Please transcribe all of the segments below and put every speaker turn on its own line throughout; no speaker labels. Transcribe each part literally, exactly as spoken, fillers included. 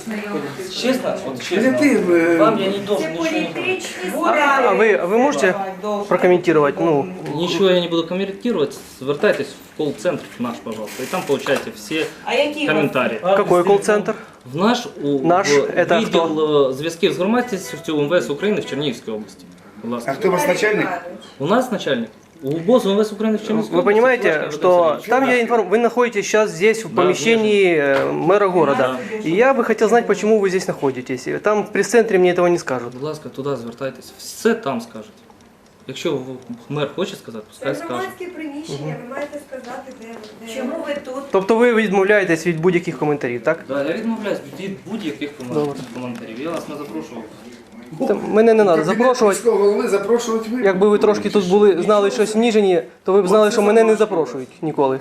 Честно, вот честно, вам я не должен ничего не говорить.
А ви, а ви можете прокоментувати? Ну,
Ничего я не буду комментировать. Звертайтесь в колл-центр наш, пожалуйста, и там получайте все
А які
комментарии.
какой колл-центр?
В наш, у,
Наш
в
это
відділ е, зв'язків з громадськістю МВС України в Чернігівській області. Будь ласка.
А кто у вас начальник?
У нас начальник. У БОЗ МВС Украины в Чернігівській
Вы
области.
понимаете,
Флешка
что
МВС.
там я информ... вы находитесь сейчас здесь в
Да,
помещении э, мэра города. И я бы хотел знать, почему вы здесь находитесь. Там в пресс-центре мне этого не скажут.
Будь ласка, туди звертайтесь. Все там скажуть. Якщо мер хоче сказати, пускай
Це
скаже.
громадське приміщення, ви маєте сказати, де, де...
Чому ви тут?
Тобто ви відмовляєтесь від будь-яких коментарів, так?
Да, я відмовляюсь від будь-яких коментарів. Я вас не запрошував.
Та мене не треба запрошувати.
Міського голови запрошувати ви.
Якби ви трошки тут були, знали щось в Ніжині, то ви б знали, що мене не запрошують ніколи.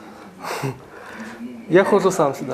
Я ходжу сам сюди.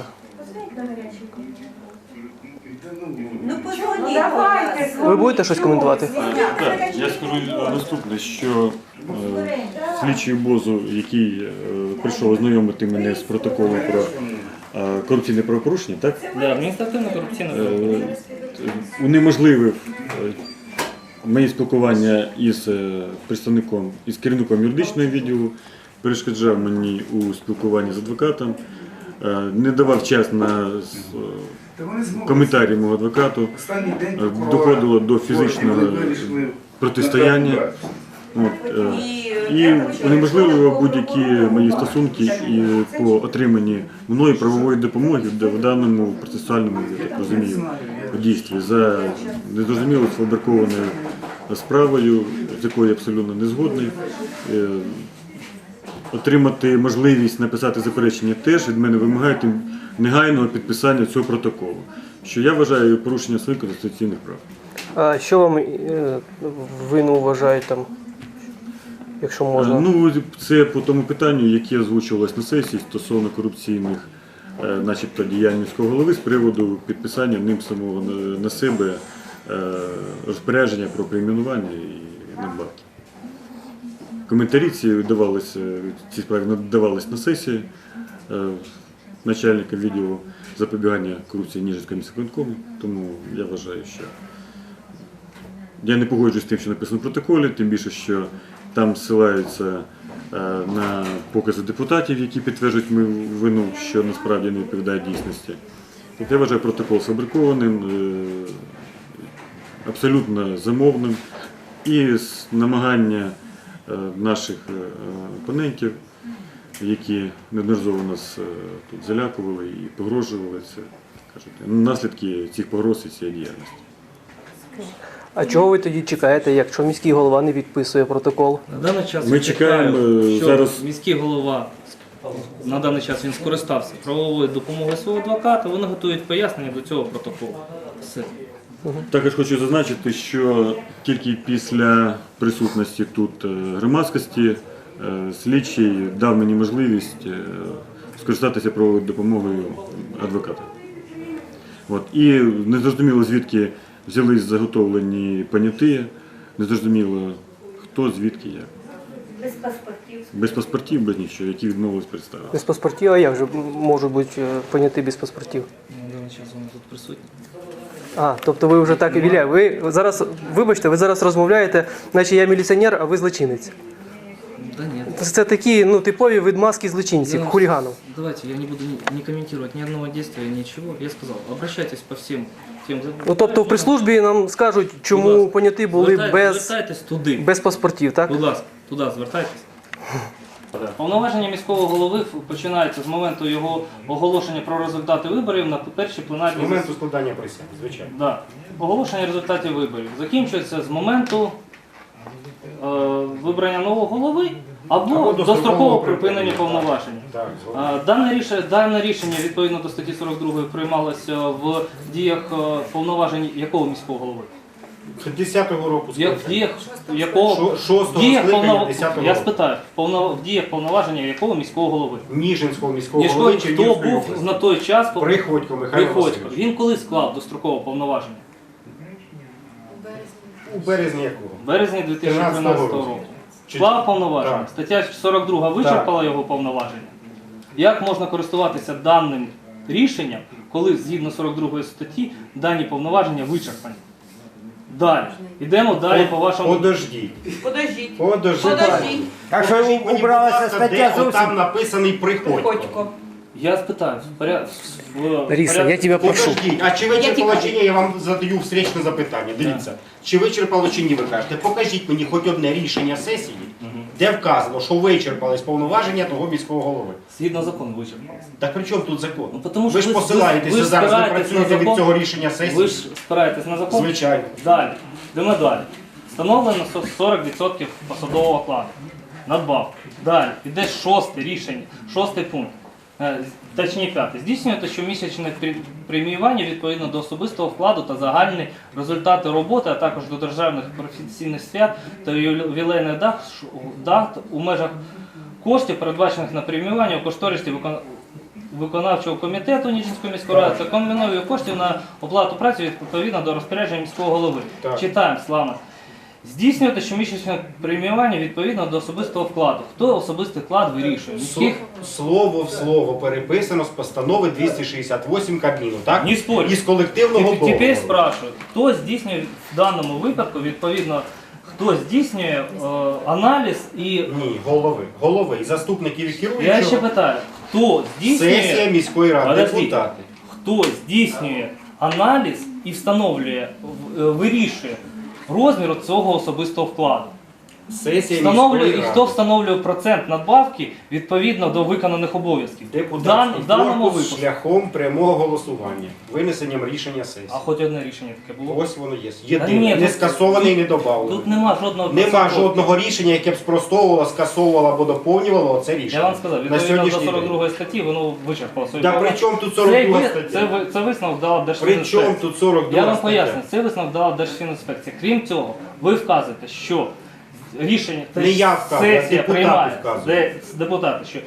Ну позвоніть.
Давайте,
Ви будете щось коментувати?
Так, я скажу наступне, що е, слідчий БОЗу, який е, прийшов ознайомити мене з протоколом про е, корупційне правопорушення, так,
Да, адміністративно корупційне
е,
правопорушення.
унеможливив е, моє спілкування із е, представником, із керівником юридичного відділу, перешкоджав мені у спілкуванні з адвокатом, е, не давав час на е,
Та вони змогли.
коментарі мого адвокату,
Останній день
е,
прокурора
доходило до
Горького,
фізичного
вони вирішили
протистояння. От, е, і унеможливо будь-які мої стосунки і по отриманні мною правової допомоги в даному процесуальному, я так розумію, дійстві за незрозуміло сфабрикованою справою, з якою я абсолютно не згодний. Е, Отримати можливість написати заперечення теж від мене вимагають негайного підписання цього протоколу, що я вважаю порушенням своїх конституційних прав.
А що вам е, вину вважають там, якщо можна?
Ну, це по тому питанню, яке озвучувалось на сесії стосовно корупційних, е, начебто, діянь міського голови з приводу підписання ним самого на, на себе е, розпорядження про перейменування і надбавки. Коментарі ці давалися, ці справи надавались на сесії е, начальника відділу запобігання корупції Ніжинського міськвиконкому, тому я вважаю, що я не погоджуюсь з тим, що написано в протоколі, тим більше, що там ссилаються е, на покази депутатів, які підтверджують мою вину, що насправді не відповідає дійсності. Тобто я вважаю протокол сфабрикованим, е, абсолютно замовним і з намагання е, наших е, опонентів, які неодноразово нас е, тут залякували і погрожували, це, кажуть, наслідки цих погроз і цієї діяльності.
А чого ви тоді чекаєте, якщо міський голова не підписує протокол?
На даний час
Ми
я
чекаємо,
чекаю, що
зараз-
міський голова на даний час він скористався правовою допомогою свого адвоката, вони готують пояснення до цього протоколу. Все.
Також хочу зазначити, що тільки після присутності тут е, громадськості е, слідчий дав мені можливість е, скористатися правовою допомогою адвоката. От. І незрозуміло, звідки взялись заготовлені поняті, незрозуміло хто, звідки, як.
Без паспортів.
Без паспортів, без нічого, які відмовились представити.
Без паспортів, а як же можуть бути е, поняті без паспортів?
На даний час вони тут присутні.
А, тобто ви вже так і віля. Ви зараз, вибачте, ви зараз розмовляєте, наче я міліціонер, а ви злочинець.
Да нет.
Це такі, ну, типові відмазки злочинців,
Я-
хуліганів.
Давайте, я не буду ни, не комментировать ни одного действия, ничего. Я сказал, обращайтесь по всем тем...
Ну, тобто в прес-службі нам скажуть, чому поняті були без,
Звертайтесь туди.
без паспортів, так?
Будь ласка, туди звертайтесь. Повноваження міського голови починаються з моменту його оголошення про результати виборів на першій
З
пленарній
моменту складання присяги, звичайно.
Да. Оголошення результатів виборів закінчується з моменту е, вибрання нового голови або,
Або
дострокового
дострокового
припинення
припинення.
повноважень.
Так, згодом.
Е, Дане рішення, дане рішення відповідно до статті сорок другої приймалося в діях е, повноважень якого міського голови?
десятого року
Як, в діях якого
Шо- шостого
діях
скликання
повнов-
десятого
Я
року.
спитаю, в повно- в діях повноваження якого міського голови?
Ніжинського міського
Ніжко,
голови
хто
Чернігівської
був
області.
на той час по-
Приходько Михайло
Приходько.
Васильович.
Він коли склав дострокове повноваження?
У березні якого?
В березні дві тисячі тринадцятого року.
Чи-
Склав повноваження.
Так.
Стаття сорок друга вичерпала його повноваження. Як можна користуватися даним рішенням, коли згідно сорок другої статті дані повноваження вичерпані. Далі. Йдемо далі по вашому.
Подождіть.
Подождіть.
Подождіть.
Подождіть.
А що
Покажіть мені,
убралася
будь ласка,
стаття
де
зовсім?
там написаний Приходько.
Ходько.
Я спитаю, в поряд... в
Лариса,
поряд-
я тебя прошу.
Подождіть, а чи вичерпало чи ні, я вам задаю встречне запитання. Дивіться, чи вичерпало чи ні, ви кажете. Покажіть мені хоч одне рішення сесії, де вказано, що вичерпались повноваження того міського голови.
Згідно закону вичерпалося.
Так при чому тут закон?
Ну, тому
ви
що
ж
ви-
посилаєтеся
ви- ви
зараз, ви
спираєтесь
працюєте
на
від
закон.
цього рішення сесії.
Ви ж спираєтесь на закон?
Звичайно.
Далі. Йдемо далі. Встановлено сорок відсотків посадового окладу. Надбавка. Далі. Іде шосте рішення, шостий пункт. Е, Точніше п'ятий. Здійснюєте щомісячне премі- преміювання відповідно до особистого вкладу та загальні результати роботи, а також до державних професійних свят та ювілейних дат, ш- дат у межах коштів, передбачених на преміювання у кошторисі викон- виконавчого комітету Ніжинської міської ради, це комбіною коштів на оплату праці відповідно до розпорядження міського голови.
Так.
Читаємо, Слава. Здійснювати щомісячне преміювання відповідно до особистого вкладу. Хто особистий вклад вирішує? Міських?
Слово в слово переписано з постанови двісті шістдесят вісім Кабміну, так?
Не спорю.
Із колективного
Тепер- Тепер
договору.
спрашиваю, хто здійснює в даному випадку, відповідно, хто здійснює е, аналіз і...
Ні, голови. Голови і заступників і
Я ще
керуючого.
питаю, хто
Сесія
здійснює,
міської ради,
Подождіть.
депутати.
хто здійснює аналіз і встановлює, в- е, вирішує розмір цього особистого вкладу?
Сесія
Встановлює,
міської
і
ради.
хто встановлює процент надбавки відповідно до виконаних обов'язків? В, дан,
Депутатський
в даному
корпус
випадку.
шляхом прямого голосування, винесенням рішення сесії.
А хоч одне рішення таке було?
Ось воно є.
Та
Єдине,
ні,
не
тут-
скасоване і не
Тут
додавлене.
нема жодного
Нема
проценту.
жодного рішення, яке б спростовувало, скасовувало або доповнювало це рішення.
Я вам сказав,
на
відповідно до
сьогоднішній
сорок
день.
другої статті воно вичерпало свої
Та
права.
при чому тут
Цей
сорок друга
ви-
стаття?
Це, ви- це висновок дала
При
Держфінінспекція.
чому тут сорок друга
Я вам
стаття?
поясню, це висновок дала Держфінінспекція. Крім цього, ви вказуєте, що рішення
Не я вказую, а
сесія
депутати
приймає,
вказують.
де депутати, що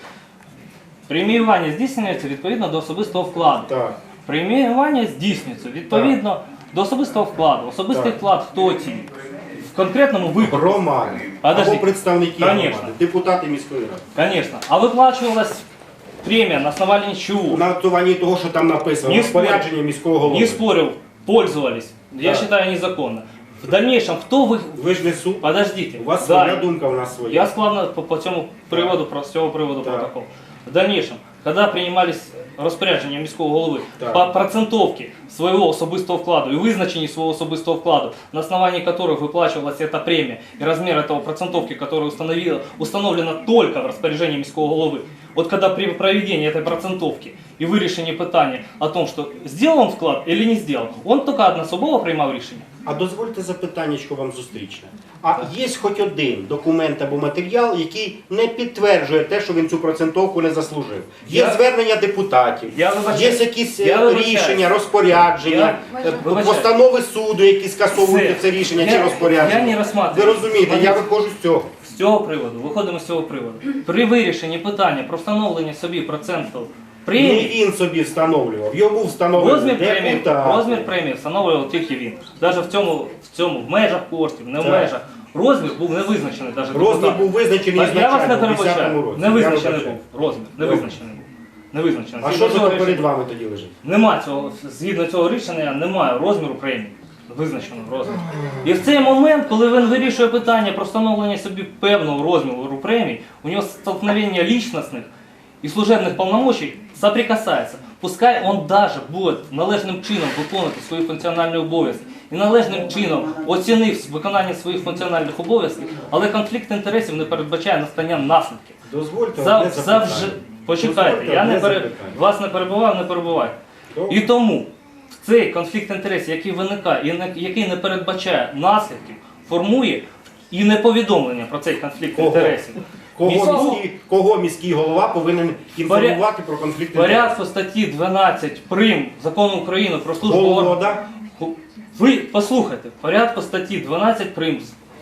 преміювання здійснюється відповідно до особистого вкладу.
Так.
Преміювання здійснюється відповідно до особистого вкладу. Особистий
Так.
вклад хто ті? В конкретному випадку.
Громади.
Подожди.
Або представники
Конечно.
громади, депутати міської ради.
Конечно. А выплачивалась премия на основании чего?
На основанні того, що там написано,
Не
розпорядження
спорю.
міського голови.
Не спорил, пользовались. Я
Да.
считаю незаконно. В дальнейшем, кто вы...
Ви ж не суд.
Подождите.
У вас
Да.
своя думка, у нас своя.
Я складно по, по цьому приводу, про з цього приводу
Так.
протокол. В дальнейшем, когда приймались розпорядження міського голови
Так.
по процентовке своего особистого вкладу и визначении своего особистого вкладу, на основании которых выплачивалась эта премия и размер этого процентовки, которая установила, установлена только в распоряжении міського голови, вот когда при проведении этой процентовки и вирішенні питання о том, что сделал он вклад или не сделал, он только одноособово приймав рішення.
А дозвольте запитаннячко вам зустрічне. А є хоч один документ або матеріал, який не підтверджує те, що він цю процентовку не заслужив? Є
Я-
звернення депутатів,
Я вибачаюсь.
є якісь
Я
е,
вибачаюсь.
рішення, розпорядження,
Я
е,
вибачаюсь.
постанови суду, які скасовують
Це-
це рішення
я-
чи розпорядження.
я не розсматриваю.
Ви розумієте, я виходжу з цього.
З цього приводу, виходимо з цього приводу. При вирішенні питання про встановлення собі проценту
Не
премії,
він собі встановлював, йому встановили
розмір премії,
депутати.
розмір премії встановлював тільки він. Навіть в цьому, в цьому, в межах коштів, не в
Так.
межах. Розмір був не визначений навіть
Розмір
депутатом.
був визначений
Я вас не
ізначально в десятому
перебачаю.
році.
Не
Я
визначений
вибачаю.
був розмір. Не
Добре.
визначений був. Не визначений.
А
Згідно
що ж
цього
там перед
рішення-
вами тоді лежить?
Нема цього, згідно цього рішення, немає розміру премії. Визначеного розміру. І в цей момент, коли він вирішує питання про встановлення собі певного розміру премії, у нього столкновення личностних і служебних повномочий соприкасається. Пускай он даже буде належним чином виконувати свої функціональні обов'язки і належним чином оцінив виконання своїх функціональних обов'язків, але конфлікт інтересів не передбачає настання наслідків.
Дозвольте
За,
одне
завжди,
запитання.
почекайте,
Дозвольте
я
одне
не пере,
запитання.
вас не перебував, не перебувайте.
Добре.
І тому в цей конфлікт інтересів, який виникає і не- який не передбачає наслідків, формує і не повідомлення про цей конфлікт
Кого?
інтересів.
Кого
Міського-
міський, кого міський голова повинен інформувати про конфлікт
В порядку статті дванадцять прим. Закону України про службу
Голова,
органів.
да?
Ви послухайте, в порядку статті дванадцять прим.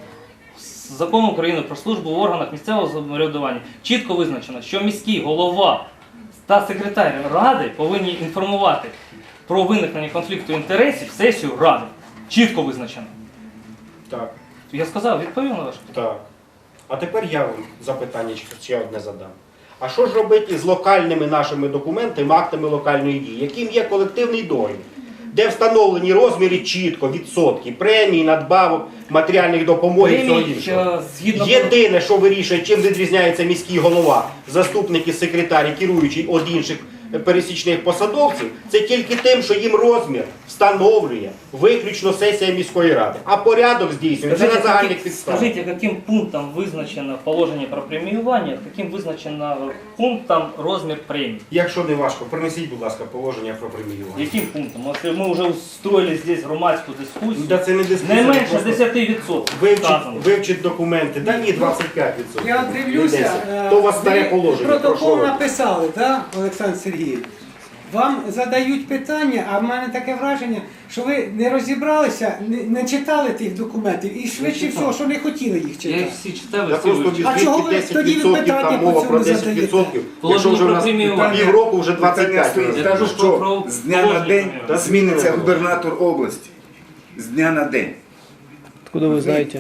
з Закону України про службу в органах місцевого самоврядування чітко визначено, що міський голова та секретар ради повинні інформувати про виникнення конфлікту інтересів сесію ради. Чітко визначено.
Так,
Я сказав, відповів на ваше питання.
так. А тепер я вам запитання ще одне задам. А що ж робити з локальними нашими документами, актами локальної дії, яким є колективний договір, де встановлені розміри чітко, відсотки, премій, надбавок, матеріальних допомог і всього
Премій,
іншого.
е, згідно
Єдине, що вирішує, чим відрізняється міський голова, заступники, секретарі, керуючий від інших пересічних посадовців, це тільки тим, що їм розмір встановлює виключно сесія міської ради. А порядок здійснюється на
Скажите,
загальних
каким-
підставах.
скажите, каким пунктом визначено положення про преміювання, яким визначено пунктом розмір премій?
Якщо не важко, принесіть, будь ласка, положення про преміювання.
Яким пунктом? Якщо ми вже устроїли здесь громадську дискусію,
Да це не дискусія,
не менше
просто
десять відсотків
Вивчить,
сказано.
вивчить документи. Да ні, двадцять п'ять відсотків.
Я
Не
дивлюся,
десять.
е,
То у вас старе
ви
положення. про
протокол
що ви?
написали, да, Олександр Сергійович? Вам задають питання, а в мене таке враження, що ви не розібралися, не, не читали тих документів і швидше
читав.
всього, що не хотіли їх
Я їх
читати.
всі читав,
Я
всі
просто
вивчив.
А чого ви
десять
тоді
відсотків,
питання
там
по
мова
цьому
про десять
задаєте?
відсотків.
Положення
Якщо вже у
про
нас
преміювання.
півроку, вже двадцять
Питання
п'ять.
стоїть.
Я
Так,
кажу
що
про
з дня на
положення
день
преміювання.
зміниться губернатор області. З дня на день.
Откуда ви знаєте?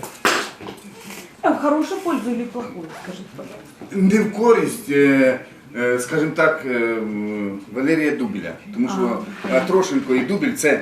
А в хорошую пользу или в плохую, скажите, пожалуйста.
Не в користь, е, е, скажімо так, е, м, Валерія Дубіля. Тому що е, Трошенко і Дубіль це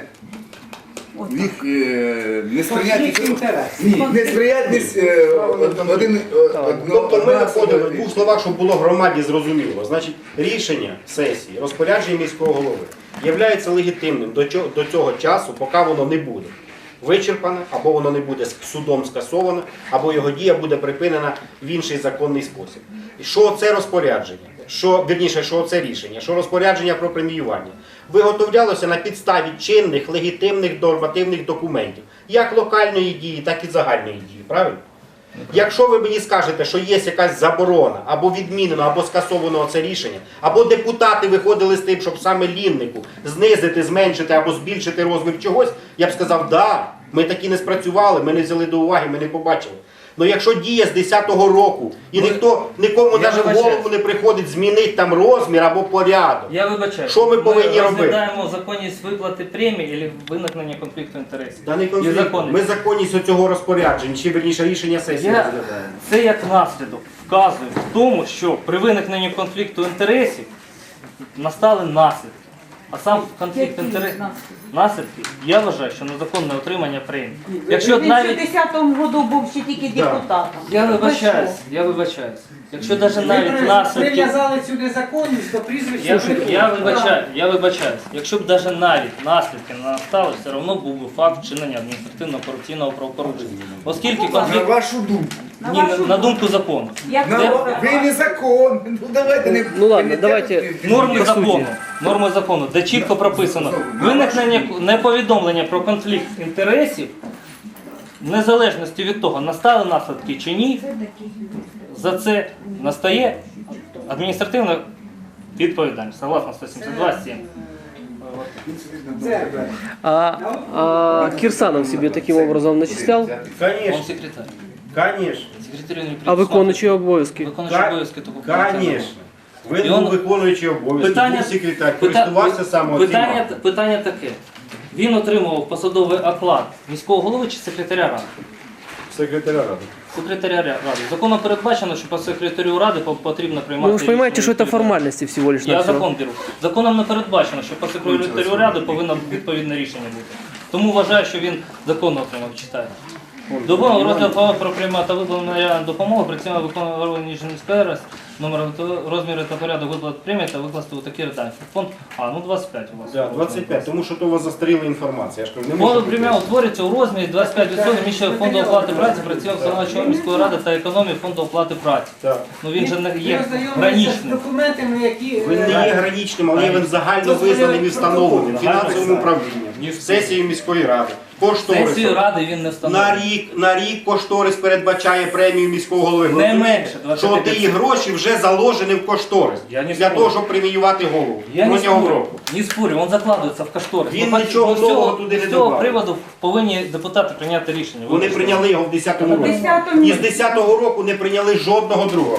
їх е, не сприятні.
Конфлікт інтересів.
Ні, не сприятність е, од- один е, одно-
Тобто ми
одна
виходимо в
особа.
двох словах, щоб було громаді зрозуміло. Значить, рішення сесії, розпорядження міського голови є легітимним до цього, до цього часу, поки воно не буде вичерпане, або воно не буде судом скасоване, або його дія буде припинена в інший законний спосіб. І що це розпорядження? Що, вірніше, що це рішення, що розпорядження про преміювання виготовлялося на підставі чинних, легітимних нормативних документів, як локальної дії, так і загальної дії, правильно? Якщо ви мені скажете, що є якась заборона, або відмінено, або скасовано це рішення, або депутати виходили з тим, щоб саме ліннику знизити, зменшити або збільшити розмір чогось, я б сказав, да, ми такі не спрацювали, ми не взяли до уваги, ми не побачили. Ну якщо діє з десятого року, і ніхто, нікому
Я
навіть в
вибачаюсь.
голову не приходить змінити там розмір або порядок.
Я вибачаю.
Що ми повинні робити?
Ми розглядаємо законність виплати премії або виникнення конфлікту інтересів.
Та не
І
конфлікт.
законність.
Ми законність цього розпорядження, чи верніше рішення сесії
Я
розглядаємо.
це як наслідок вказує в тому, що при виникненні конфлікту інтересів настали наслідки. А сам конфлікт інтересів наслідки, я вважаю, що незаконне отримання премії. Якщо
Він
навіть
в десятому году був ще тільки
Да.
депутатом.
я
Ви
вибачаюсь,
що?
я вибачаюсь. Якщо навіть
Ви
навіть
при-
наслідки.
прив'язали цю незаконність до прізвища.
Я,
Жиркова.
я вибачаю, я вибачаюсь. Якщо б навіть навіть наслідки не настали, все одно був би факт вчинення адміністративно-корупційного правопорушення. Оскільки
На
конфлікт
вашу думку.
ні, на, на думку закону.
Як
На,
це?
ви не закон. Ну давайте не.
Ну ладно,
не
давайте.
тягнете.
Норми
По суті.
закону, норми закону, де чітко прописано виникнення неповідомлення про конфлікт інтересів, в незалежності від того, настали наслідки чи ні, за це настає адміністративна відповідальність, согласно сто сімдесят два сім.
Це,
А, а Кирсанов себе таким образом начислял?
Он
Конечно,
секретар.
конечно.
Секретарю не
А виконуючий обов'язки?
Виконуючий
Ка-
обов'язки такого
Конечно. Він
І
був
он-
виконуючий обов'язки,
Питання,
був секретар,
пита-
користувався саме
питання,
цим.
питання таке. Він отримував посадовий оклад міського голови чи секретаря ради?
Секретаря ради.
Секретаря ради. Законом передбачено, що по секретарю ради по- потрібно приймати.
Ну вы же понимаете,
рішення
что это
відповідне.
формальности всего лишь
Я
навсего.
закон беру. Законом не передбачено, що по секретарю ради повинно відповідне рішення бути. Тому вважаю, що він законно отримав, читаю. Допомога розгляд права про приймати та виплату матеріальної допомоги при цьому виконує орган міської ради, номер розміри та порядок виплат премії та викласти у такі редакції. Фонд, а, ну двадцять п'ять у вас.
Да, двадцять п'ять, тому що то у вас застаріла інформація. Я ж кажу, не
Фонд
можу
премія
бути.
утворюється у розмірі двадцять п'ять відсотків міщого фонду оплати праці, працівник виконавчого міської ради та економії фонду оплати праці.
Так.
Ну він же не
Ви
є
ознайомилися з
граничним.
документами, які...
Він не
е,
є граничним, але він загально визнаним і встановленим фінансовим управлінням, сесією міської ради,
Сесію
кошторисом.
ради він не
На
встановлює.
рік, на рік кошторис передбачає премію міського голови.
Не
Розумієте,
менше двадцять
що
п'ять.
ті гроші вже заложені в кошторис
Я не
для
спорю.
того, щоб преміювати голову
Я не
протягом
спорю,
року.
не спорю, він закладується в кошторис.
Він
Ну,
нічого
з цього-
нового туди не
З цього
добавив.
приводу повинні депутати прийняти рішення.
Вони
Вибачте.
прийняли його в десятому році.
десятому
І з десятого року не прийняли жодного другого.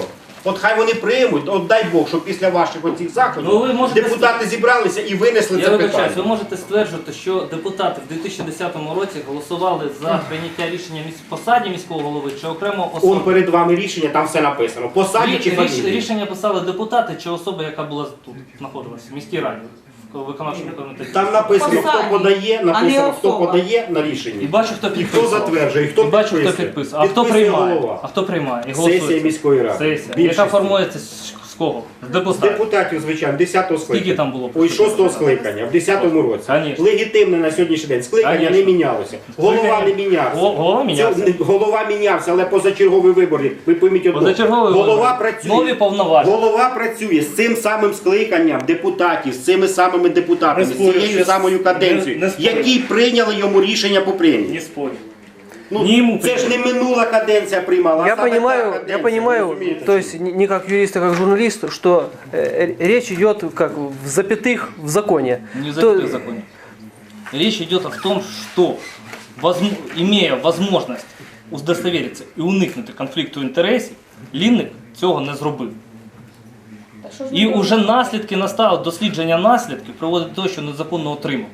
От хай вони приймуть, от дай Бог, щоб після ваших оцих заходів
Ну, ви можете
депутати зібралися і винесли
Я
це
вибачаюсь,
питання.
ви можете стверджувати, що депутати в дві тисячі десятому році голосували за прийняття рішення міс- посаді міського голови чи окремо
Он
особи?
перед вами рішення, там все написано. Посаді чи
Рі- ріш-
фамілії?
Рішення писали депутати чи особа, яка була тут, знаходилася в міській раді, в виконавчому комітеті.
Там написано, хто
Посаді,
подає,
а не
написано, хто
особа.
подає на
І
рішення.
бачу, хто
І хто
підписував.
затверджує, і хто
І бачу, хто
підписує.
підписує. А хто
Підписує
приймає?
голова.
А хто приймає? І
Сесія
голосується?
міської ради.
Сесія.
Більшість.
Яка формується з з кого? З
З
депутатів.
депутатів, звичайно, десятого
Скільки
скликання.
там було?
Ой, шостого скликання, в десятому році.
Конечно.
Легітимне на сьогоднішній день. Скликання
Конечно.
не мінялося. Голова не мінявся.
Го- Голова мінявся.
Це не- голова мінявся, але позачергові вибори. Ви пойміть одно.
Позачергові
Голова
вибори.
працює.
Нові повноваження.
Голова працює з цим самим скликанням депутатів, з цими самими депутатами,
Не
з
спорю,
цією
що-
самою каденцією,
не- не спорю.
які прийняли йому рішення по премії.
Не спорю.
Ну,
Не йому
це ж не минула каденція приймала, а
Я
саме та
понимаю,
каденція,
я понимаю,
розумієте?
то есть не не как юрист, а как журналист, что э, речь идет как в запятых в законе.
Не
То-
забыто в законе. Речь идет о том, что, возм- имея возможность удостоверитися і уникнути конфлікту інтересів, Лінник цього не зробив. І вже наслідки настали, дослідження наслідків приводить до того, що незаконно отримав.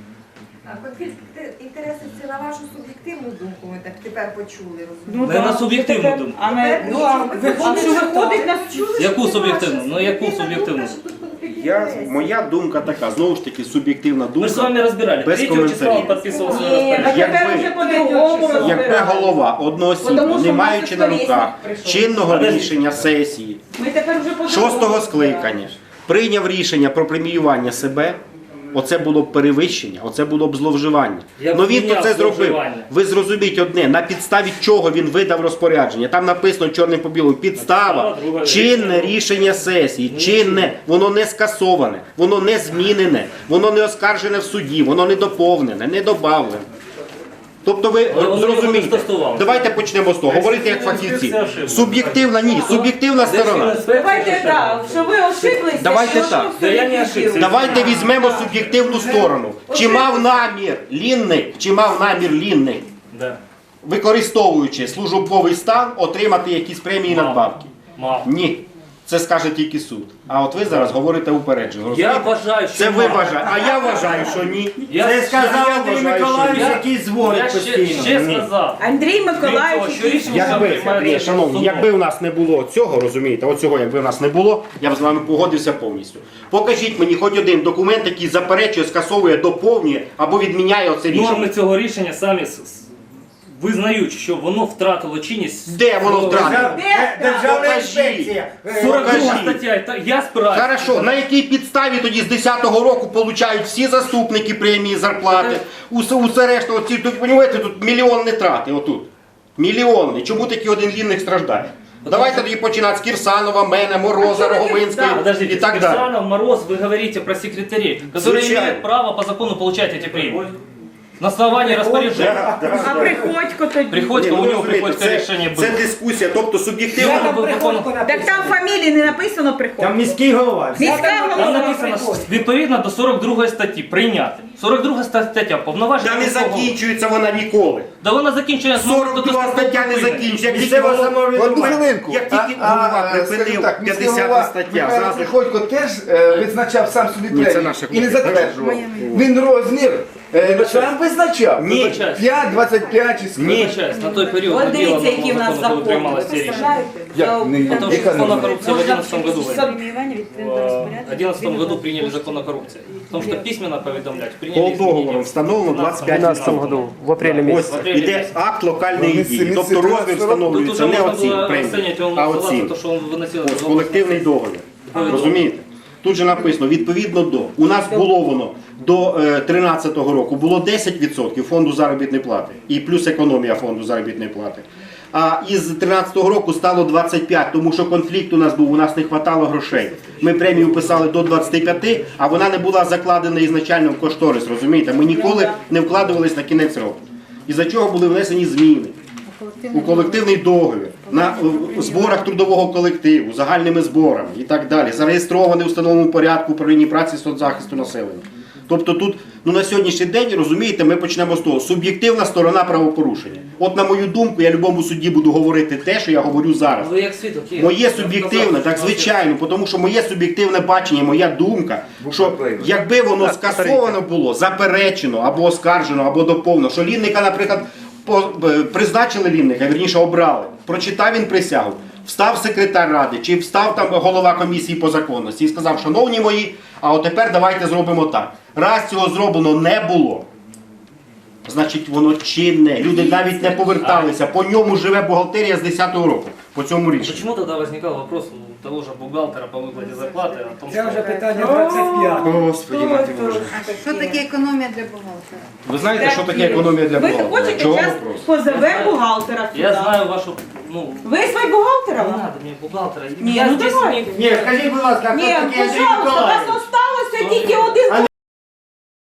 А конфлікт інтересів це на вашу суб'єктивну думку, ми так тепер почули,
Ну,
розумієте?
Не
да,
на суб'єктивну
таке-
думку.
А не, ну, а виходить, що виходить на
Яку суб'єктивну? Ну яку суб'єктивну?
Я, моя думка така, знову ж таки, суб'єктивна
Ми ж з
думка.
вами розбирали.
Без
Третього числа він
коментарів.
підписував своє
Ні, так
розпорядження.
тепер
Якби-
вже по-другому
Якби
розбираємо.
голова одноосібно,
Тому що
не
в нас
маючи на
історичний
руках
прийшов.
чинного
Подожди.
рішення сесії,
Ми тепер вже по-другому
шостого
розбираємо.
скликання, прийняв рішення про преміювання себе, оце було б перевищення, оце було б зловживання.
Я
Ну він то
поміняв
це зробив.
зловживання.
Ви зрозуміть одне, на підставі чого він видав розпорядження. Там написано чорним по білому, підстава,
Підстава, друге
чинне рішення сесії, чинне, воно не скасоване, воно не змінене, воно не оскаржене в суді, воно не доповнене, не добавлене. Тобто ви
Але воно його не
зрозумієте,
стосувалося.
давайте почнемо з того, говорити як фахівці.
Це ошибка.
Суб'єктивна, ні, суб'єктивна сторона.
Давайте так, що ви ошиблися.
Давайте
що
так.
ви
Да я не
суб'єктивні.
ошибся.
Давайте візьмемо суб'єктивну сторону. Чи мав намір Лінник, чи мав намір Лінник,
Да.
використовуючи службовий стан, отримати якісь премії і
Мав.
надбавки?
Мав.
Ні. Це скаже тільки суд. А от ви зараз говорите упереджено.
Я
розумієте?
вважаю, що
Це ви
мав.
вважаєте, а я вважаю, що ні.
Я
Це
сказав
я
Андрій
вважаю, що ні.
Я-
який дзвонить
Я ще,
постійно.
ще
Ні.
сказав.
Андрій
Крім того,
Миколаївич,
що рішення
Якби,
приймається
ні, шановні,
судом.
якби у нас не було цього, розумієте, оцього, якби у нас не було, я б з вами погодився повністю. Покажіть мені хоч один документ, який заперечує, скасовує, доповнює або відміняє оце рішення.
Норми цього рішення самі с- с- визнають, що воно втратило чинність.
Де воно втратило?
Державна
Покажіть.
інспекція.
сорок друга
Покажіть.
стаття. Та я спираюся.
Хорошо, на якій підставі тоді з десятого року получають всі заступники премії, зарплати, усе, усе решта, оці, тут, розумієте, тут мільйонні трати, отут. Мільйонні. Чому такий один Лінник страждає? Давайте тоді починати з Кірсанова, мене, Мороза, Роговинської
Подождите,
і так далі.
Кирсанов, Мороз, вы говорите про секретарей, которые
Звучайно.
имеют право по закону получать эти премии. На основании распоряжения.
а Приходько тоді.
Приходько,
Ні,
у
ну,
него
розумієте,
приходько
це,
решение
це
было.
дискусія, тобто суб'єктивно.
Я
Там
би
Приходько
виконав-
Так
написано.
там фамілії не написано Приходько.
Там міський голова.
Міська
Там
голова
написано
Приходько.
відповідно до сорок другої статті прийняти. сорок друга стаття повноваження.
Та не
міського голови.
закінчується вона ніколи.
Да вона закінчує
сорок друга стаття не закінчується. Як тільки
Місцева
голова-
Одну хвилинку.
Як тільки
А-
голова
а, скажімо
припинив
так, міський
п'ятдесята
голова
стаття,
Михайло
зразу
Приходько теж е, визначав сам собі
Ні, це
премію
наша
і не
кнопка.
затверджував. Він розмір е, сам визначав.
Ні.
Вибачаюсь.
п'ять, двадцять п'ять чи скільки.
Вибачаюсь, на той період
От
не
дивіться,
було
які в нас
закону, коли
закони.
приймалося
Ви
це рішення.
представляєте?
Як не-
Потому что
яка
закон о
норма?
коррупции в две тысячи одиннадцатом году.
шестьсот премиювання відповідно до
В
розпорядження.
две тысячи одиннадцатом году приняли закон о коррупции. В том, что письменно поведомлять
По
приняли
договору
изменения.
встановлено
В
двадцять п'ять
две тысячи двенадцатом году, в апреле
Ось
месяце.
іде акт локальної
Ну,
дії.
місце-
Тобто
місце
розмір
тринадцятого
Тут
встановлюється
уже
не
можно
оці
было
премії,
оценивать, он
а
назывался
оці.
то, что он выносил.
Ось колективний договір. Розумієте? Тут же написано, відповідно до. У нас було воно до е, тринадцятого року було десять відсотків фонду заробітної плати і плюс економія фонду заробітної плати. А із тринадцятого року стало двадцять п'ять, тому що конфлікт у нас був, у нас не вистачало грошей. Ми премію писали до двадцяти п'яти, а вона не була закладена ізначально в кошторис, розумієте? Ми ніколи не вкладувались на кінець року. Із-за чого були внесені зміни у колективний договір, на е, зборах трудового колективу, загальними зборами і так далі, зареєстрований у встановленому порядку управління праці і соцзахисту населення. Тобто тут ну, на сьогоднішній день, розумієте, ми почнемо з того, суб'єктивна сторона правопорушення. От на мою думку, я любому судді буду говорити те, що я говорю зараз.
Ви як свідок є.
Моє суб'єктивне, так звичайно, тому що моє суб'єктивне бачення, моя думка, що якби воно скасовано було, заперечено, або оскаржено, або доповнено, що Лінника, наприклад, по- е, призначили Лінника, вірніше обрали, прочитав він присягу, встав секретар ради, чи встав там голова комісії по законності і сказав, шановні мої, а от тепер давайте зробимо так. Раз цього зроблено не було, значить воно чинне. Люди навіть не поверталися. По ньому живе бухгалтерія з десятого року. По цьому рішенню.
Почему тогда возникал вопрос у того же бухгалтера по выплате зарплаты о том,
Це
что...
вже питання двадцять п'яте.
Господи, мати Боже.
Що таке економія для бухгалтера?
Ви знаєте, що таке економія для
Ви
бухгалтера?
хочете,
Чого
зараз
вопрос?
позовемо бухгалтера сюди.
Я знаю вашу, ну,
Визвать
не
бухгалтера?
надо мне бухгалтера.
Ні,
я
ну
здесь
давайте.
не...
Ні, скажіть, будь ласка,
Ні,
хто такий Андрій
пожалуйста, у
Миколаївич?
вас осталося тільки один